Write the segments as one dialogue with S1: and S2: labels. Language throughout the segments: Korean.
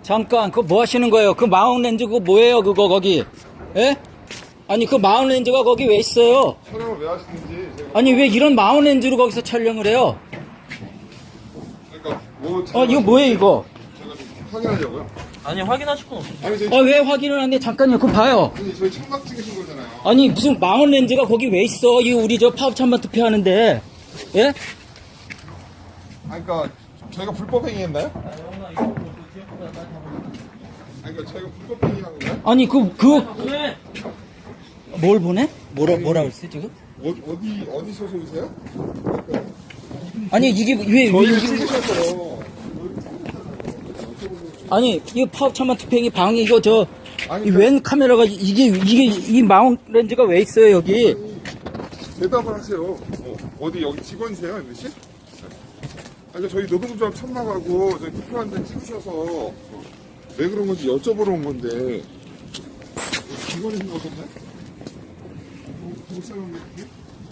S1: 잠깐, 그거 뭐 하시는 거예요? 그 마운렌즈 그거 뭐예요, 그거 거기? 예? 아니, 그 마운렌즈가 거기 왜 있어요?
S2: 촬영을 왜 하시는지 제가
S1: 아니, 왜 이런 마운렌즈로 거기서 촬영을 해요?
S2: 그러니까 뭐
S1: 이거 뭐예요, 이거?
S2: 제가 좀 확인하려고요.
S3: 아니 확인하실 건 없어요.
S2: 아니 저희
S1: 왜 확인을 안 해? 잠깐요, 그거 봐요.
S2: 아니 저희 청각 찍으신 거잖아요.
S1: 아니, 무슨 마운렌즈가 거기 왜 있어? 이 우리 저 파업찬반 투표하는데. 예?
S2: 아니 그러니까 저희가 불법 행위했나요? 아니 그러니까 저희가 불법 행위한 건가요?
S1: 아니,
S3: 왜?
S1: 뭘 보내? 뭐라 그랬어, 지금?
S2: 어디 소속이세요?
S1: 아니, 이게 왜
S2: 저희를
S1: 이게.
S2: 찍으셔서
S1: 아니, 이거 파업찬반 투표행위 방해, 이거
S2: 아니,
S1: 이 웬 카메라가, 이 마운렌즈가 왜 있어요, 여기?
S2: 대답을 하세요. 어디 여기 직원이세요, MBC? 아니 저희 노동조합 참석하고 저희 투표한 데 찍으셔서 왜 그런 건지 여쭤보러 온 건데 직원이신 거 같나요? 못살은 게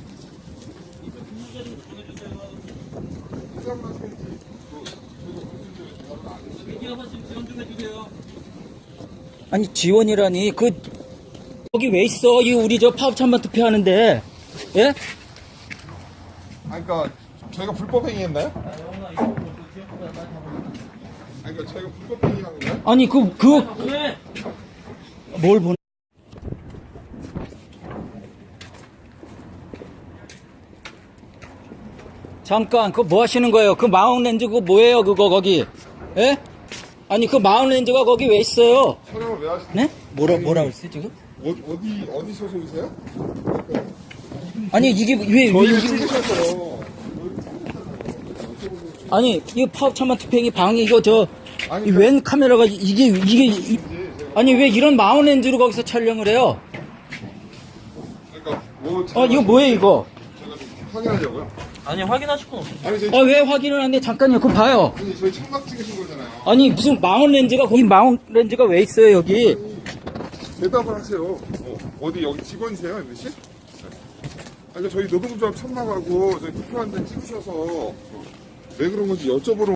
S1: 아니, 지원이라니, 거기 왜 있어? 이 우리 저 파업찬반 투표하는데. 예?
S2: 아니 그러니까 저희가 불법 행위했나요? 아니 그러니까 저희가 불법 행위한 건가요?
S1: 아니,
S3: 왜?
S1: 뭘 보내? 잠깐, 그거 뭐 하시는 거예요? 그 마운렌즈 그거 뭐예요, 그거 거기? 예? 아니, 그 마운렌즈가 거기 왜 있어요?
S2: 촬영을 왜 하시는지
S1: 네? 뭐라 그랬어, 지금?
S2: 어디 소속이세요?
S1: 아니, 이게 왜
S2: 저희를
S1: 이게.
S2: 찍으셔서
S1: 아니, 이거 파업찬반 투표행위 방해, 이거
S2: 아니,
S1: 이 웬 카메라가, 아니, 왜 이런 마운렌즈로 거기서 촬영을 해요?
S2: 그러니까 뭐
S1: 이거 뭐예요, 이거?
S2: 제가 좀 확인하려고요.
S3: 아니 확인하실 건 없어요.
S2: 아니 저희
S1: 왜 확인을 안 해? 잠깐요, 그거 봐요.
S2: 아니 저희 청각 찍으신 거잖아요.
S1: 아니, 무슨 마운렌즈가 왜 있어요, 여기?
S2: 대답을 하세요. 어디 여기 직원이세요, MBC? 아니 저희 노동조합 참석하고 저희 투표한 데 찍으셔서 왜 그런 건지 여쭤보러